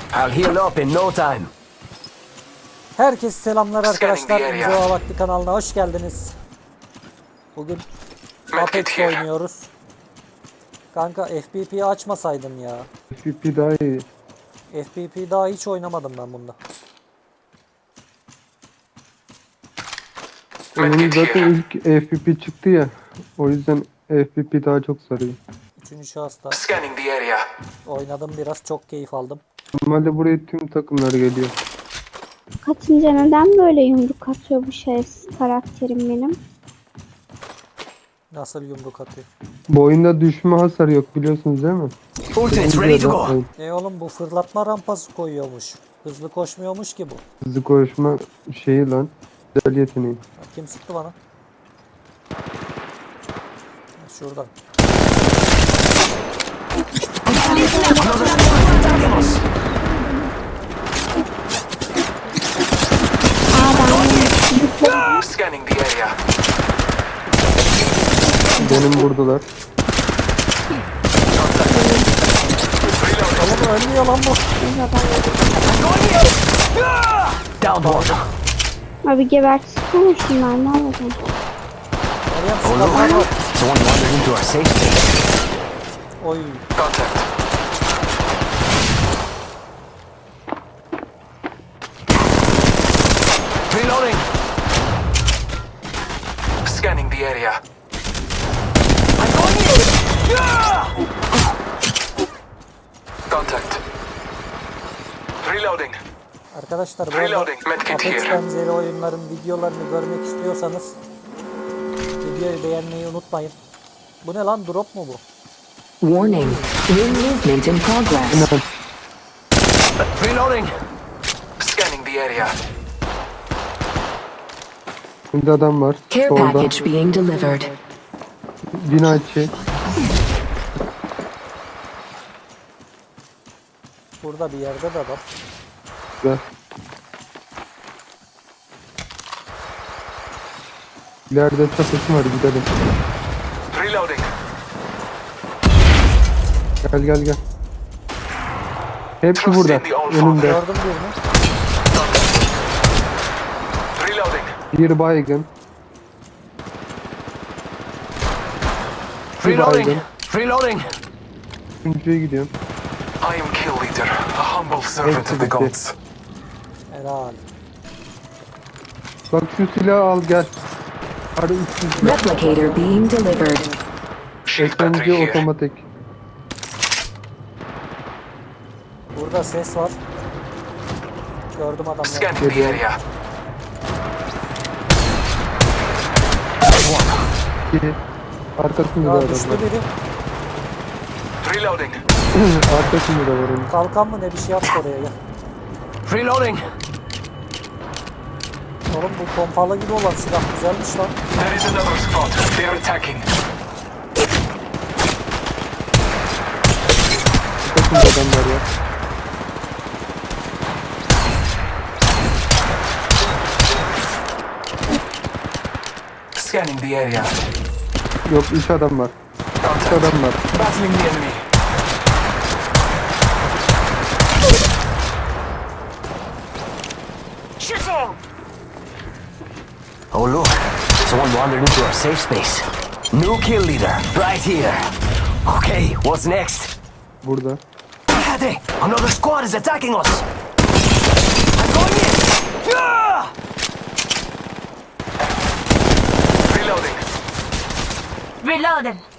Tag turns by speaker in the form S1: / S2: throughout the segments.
S1: I'll heal up in no time.
S2: Herkese selamlar arkadaşlar.
S3: Scanning the
S2: İnziva Vakti kanalına hoş geldiniz. Bugün Apex oynuyoruz. Kanka FPP'yi açmasaydın ya.
S4: FPP daha iyi.
S2: FPP daha hiç oynamadım ben bunda.
S4: Onun zaten ilk FPP çıktı ya. O yüzden FPP daha çok sarıyor.
S2: Üçüncü şahısta
S3: Scanning the area.
S2: oynadım biraz, çok keyif aldım.
S4: Normalde buraya tüm takımlar geliyor.
S5: Katınca neden böyle yumruk atıyor bu karakterim benim?
S2: Nasıl yumruk atıyor?
S4: Bu oyunda düşme hasarı yok biliyorsunuz değil mi?
S1: Ultimate's ready to go.
S2: Oğlum bu fırlatma rampası koyuyormuş. Hızlı koşmuyormuş ki bu.
S4: Hızlı koşma şeyi lan. Güzel yeteneği.
S2: Bak, kim sıktı bana? Şuradan.
S3: Scanning the area.
S4: Benim vurdular.
S2: Oğlum ölmüyor lan bu.
S1: Down one.
S5: Abi gebertsene şunlar, ne olacak?
S2: Meryem
S1: Oh
S2: silahlar
S1: no.
S2: var.
S1: Someone wandered into our safe space.
S2: Oy.
S3: Contact.
S1: Reloading.
S3: Scanning the area. Contact. Reloading.
S2: Arkadaşlar bu arada
S3: Reloading, medkit
S2: Apex
S3: here.
S2: benzeri oyunların videolarını görmek istiyorsanız videoyu beğenmeyi unutmayın. Bu ne lan, drop mu bu?
S6: Warning, ring movement in progress.
S1: Reloading.
S3: Scanning the area.
S4: Şimdi adam var.
S6: Care
S4: Solda.
S6: package being delivered.
S4: Bina içi.
S2: Burada bir yerde de adam.
S4: Güzel. İleride çatısı var, gidelim.
S3: Reloading.
S4: Gel gel gel. Hepsi
S3: Trust
S4: burada.
S3: in the old
S4: Önümde.
S2: Gördüm birini.
S3: Reloading.
S4: Bir baygın. Bir
S1: Reloading.
S4: baygın.
S1: Reloading.
S4: Üçüncüye gidiyorum.
S3: I am kill leader, a humble servant of the gods.
S2: Helal.
S4: Bak şu silahı al gel. Hadi 300 silah.
S6: Replicator being delivered.
S3: Shield battery
S4: SMG
S3: here.
S4: otomatik.
S2: Burada ses var. Gördüm adamları.
S3: Scanning the area.
S4: İki. Arkasında da
S2: Ya
S4: adam
S2: düştü
S4: var.
S2: biri.
S3: Reloading.
S4: Arkasında da var onun.
S2: Kalkan mı ne bir şey yaptı oraya ya.
S1: Reloading.
S2: Oğlum bu pompalı gibi olan silah güzelmiş lan.
S3: There is another squad. They are attacking.
S4: Arkasında adam var ya.
S3: Scanning the area.
S4: Yok 3 adam var. 3
S3: Contact.
S4: adam var.
S3: Battling the enemy.
S1: Oh look. Someone wandered into our safe space. New kill leader. Right here. Okay, what's next?
S4: Burada.
S1: Fíjate, another squad is attacking us. I'm going in. Ah!
S3: Reloading.
S7: Reloading.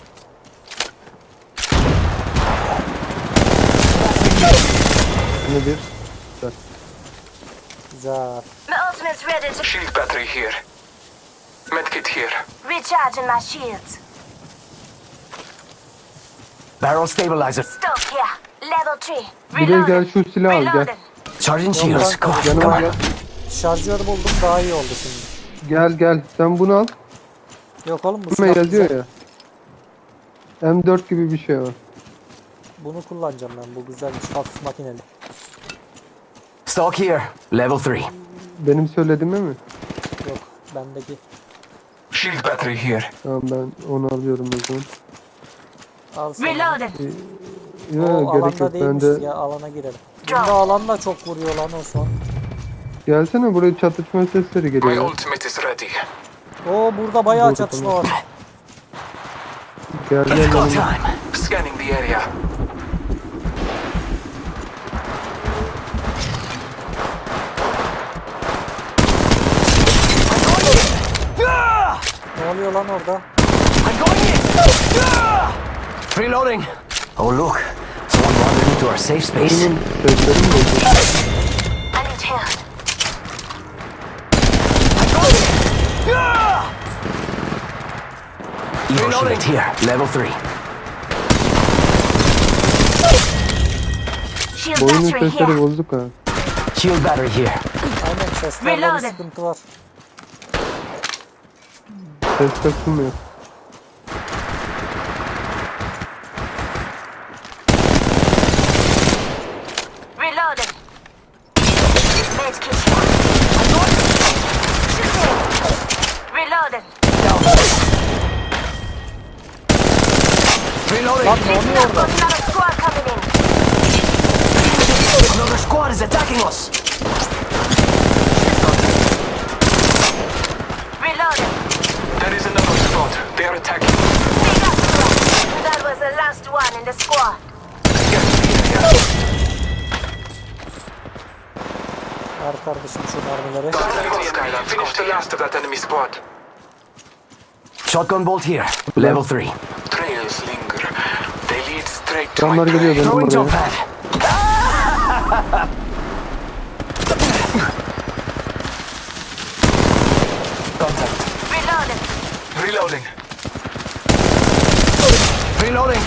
S4: Yine bir.
S2: Güzel.
S7: My ultimate's ready to
S3: Shield battery here. Medkit here.
S7: recharging my shields.
S1: Barrel stabilizer.
S7: Stuck here. Level 3.
S4: Buraya gel,
S7: Reloading.
S4: şu silahı al gel.
S7: Reloading.
S1: Charging
S2: Yok
S1: shields.
S2: lan,
S1: Come on, come
S4: Yanıma
S1: on.
S4: gel.
S2: şarjör buldum, daha iyi oldu şimdi.
S4: Gel gel. Sen bunu al.
S2: Yok oğlum bu
S4: Buna
S2: silah
S4: yazıyor
S2: güzel.
S4: ya. M4 gibi bir şey var.
S2: Bunu kullanacağım ben, bu güzelmiş, hafif makineli.
S1: Stock here. Level 3.
S4: Benim söylediğime mi?
S2: Yok bendeki.
S3: Shield battery here.
S4: Tamam ben onu alıyorum o zaman.
S2: Al sana.
S7: Reloading.
S4: Yok
S2: O
S4: gerek
S2: alanda
S4: yok.
S2: değilmiş
S4: Ben de
S2: ya, alana girelim.
S7: drone.
S2: Bunda alan da çok vuruyor lan Osman.
S4: Gelsene, buraya çatışma sesleri
S3: My
S4: geliyor.
S3: ultimate is ready.
S2: Oo burada bayağı çatışma var.
S4: Gel
S1: It's
S4: gel
S1: go
S4: yanıma.
S1: time.
S3: Scanning the area.
S2: Ne oluyor lan orada?
S1: I'm going in. Reloading. Oh look, someone wandered into our safe space.
S4: Oyunun sesleri mi geliyor?
S7: I need help.
S1: Evo shield here, level 3.
S7: Shield
S4: Oyunun
S7: battery
S4: sesleri
S7: here.
S4: bozuk ha.
S1: Shield battery here.
S2: Aynen seslerde bir
S7: Reloaded.
S2: sıkıntı var.
S4: Ses kasılmıyor.
S7: Reloading. Medkit here. Reloading.
S1: Reloading.
S2: Lan ne oluyor orada?
S7: Got another squad coming in.
S1: Another squad is attacking us.
S7: Reloading.
S3: There is another squad. They are attacking.
S7: We got squad. That was the last one in the squad.
S3: Scanning the area.
S2: Ver kardeşim şu mermileri.
S3: Finish the last of that enemy squad.
S1: Shotgun bolt here, level 3.
S3: Trails linger. They lead straight to
S4: Adamlar
S3: my
S4: geliyor
S3: prey.
S4: benim
S1: Throwing jump
S4: buraya.
S1: pad. Contact.
S7: Reloading.
S3: Reloading.
S1: Reloading.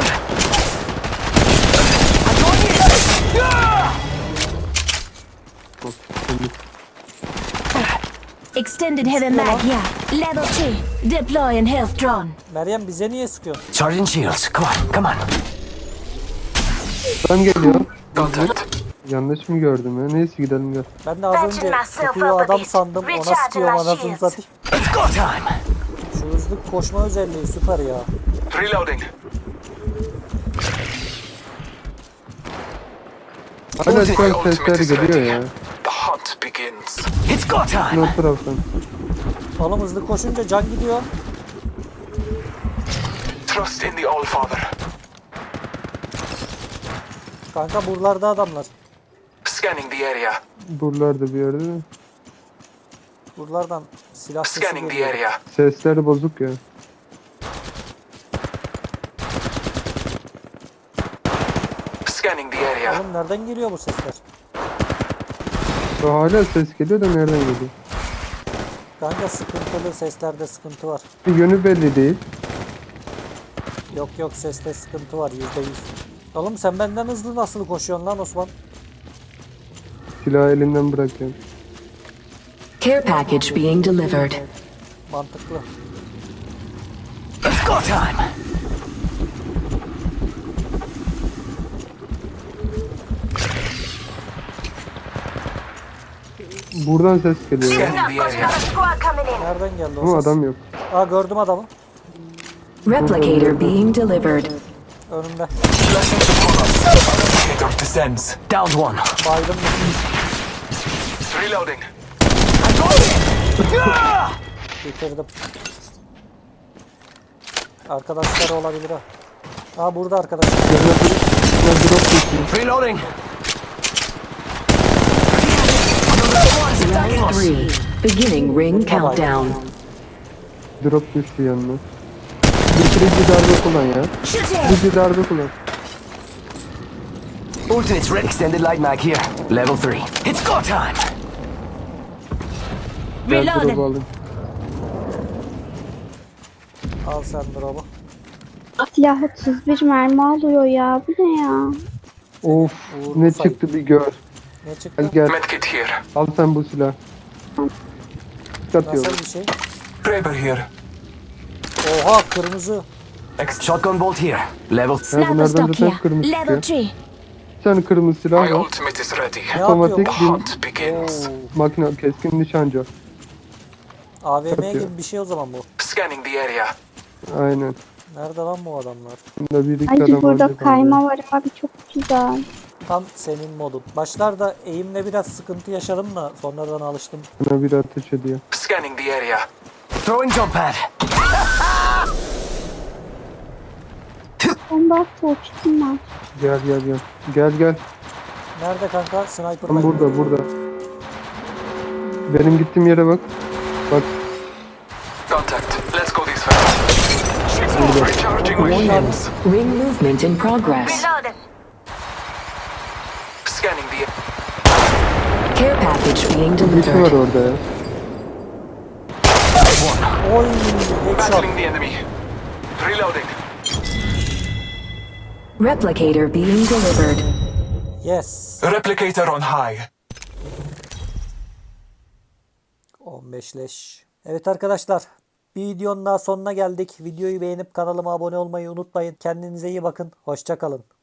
S7: Extended heavy mag here. Level 2. Deploying health drone.
S2: Meryem bize niye sıkıyorsun?
S1: Charging shields. Come on, come on.
S4: Ben geliyor.
S3: Contact.
S4: Yanlış mı gördüm ya? Neyse gidelim gel.
S2: Ben de az önce sıkıyor adam sandım. Ona sıkıyorum anasını satayım.
S1: It's go time.
S2: Şu hızlı koşma özelliği süper ya.
S3: Reloading.
S4: Hala şu
S3: My
S4: an
S3: ultimate
S4: sesler
S3: is
S4: geliyor
S3: ready.
S4: ya.
S3: The hunt begins.
S1: It's go
S4: Ne
S1: time.
S4: o taraftan.
S2: Oğlum hızlı koşunca can gidiyor.
S3: Trust in the All-Father.
S2: Kanka buralarda adamlar.
S3: Scanning the area.
S4: Buralarda bir yerde de.
S2: Buralardan silah sesi
S3: Scanning the
S2: geliyor.
S3: area.
S4: Sesler bozuk ya.
S3: Scanning the area.
S2: Oğlum nereden geliyor bu sesler?
S4: Hala ses geliyor da nereden geliyor?
S2: Kanka sıkıntılı seslerde sıkıntı var.
S4: Bir yönü belli değil.
S2: Yok yok seste sıkıntı var %100. Oğlum sen benden hızlı nasıl koşuyorsun lan Osman?
S4: Silahı elinden bırakıyorum.
S6: Care package being delivered.
S2: Mantıklı.
S1: It's go time.
S4: Buradan ses geliyor ya.
S3: Scanning the
S7: Got
S3: area.
S7: another squad coming in.
S2: Nereden geldi o
S4: Ama
S2: ses?
S4: adam yok.
S2: Aa gördüm adamı.
S6: Replicator being delivered.
S2: Önümde.
S3: Replicator descends.
S1: Downed one.
S2: Baydım.
S3: Reloading.
S2: Bitirdim. Arkadaşları olabilir ha. Aa burada arkadaşlar.
S4: Yanına drop düşüyor.
S1: Reloading. Another squad is attacking us.
S6: 3. Beginning ring countdown.
S4: Drop düştü yanına. Bitirici darbe kullan ya. Bitirici darbe kullan.
S1: Ultimate's ready. Extended light mag here, level 3. It's go time.
S4: Gel drop'u
S7: Reloading.
S4: alayım.
S2: Al sen drop'u.
S5: Silah 31 mermi alıyor ya. Bu ne ya?
S4: Of,
S2: Uğurlu
S4: ne
S2: say.
S4: çıktı bir gör.
S2: Ne çıktı?
S4: Gel gel,
S3: Medkit here.
S4: al sen bu silah. Atıyorum.
S2: Nasıl bir şey?
S3: Kraber here.
S2: Oha kırmızı.
S1: Shotgun bolt here, level 3.
S4: Ya
S7: Sniper
S4: bunlardan
S7: stock
S4: zaten
S7: here.
S4: kırmızı
S7: Level
S4: çıkıyor.
S7: 3.
S4: Bir tane kırmızı silah
S3: My
S4: var.
S3: ultimate is ready.
S2: Ne
S4: Otomatik
S2: yapıyor?
S3: The
S4: bir
S3: hunt begins.
S4: makine, keskin nişancı.
S2: AVM
S4: Yapıyor.
S2: gibi bir şey o zaman bu.
S3: Scanning the area.
S4: Aynen.
S2: Nerede lan bu adamlar?
S4: Bunda bir iki
S5: Ay
S4: adam
S5: burada
S4: olacak
S5: kayma var abi çok güzel.
S2: Tam senin modun. Başlarda eğimle biraz sıkıntı yaşadım da sonradan alıştım.
S4: Bana bir ateş ediyor.
S3: Scanning the area.
S1: Throwing jump pad.
S5: Bomba attı uçtum ben.
S4: Gel gel gel. Gel gel.
S2: Nerede kanka? Sniper
S4: Tam
S2: var.
S4: burada. Benim gittiğim yere bak. Bak
S3: Contact. Let's go this way. Recharging my shields.
S6: Ring movement in progress.
S3: Scanning the
S6: Care package being
S4: birisi var
S6: delivered.
S4: orada ya.
S2: Oy, headshot.
S3: battling the enemy. Reloading.
S6: Replicator being delivered.
S2: Yes.
S3: Replicator on high.
S2: 15 leş. Evet arkadaşlar. Bir videonun daha sonuna geldik. Videoyu beğenip kanalıma abone olmayı unutmayın. Kendinize iyi bakın. Hoşça kalın.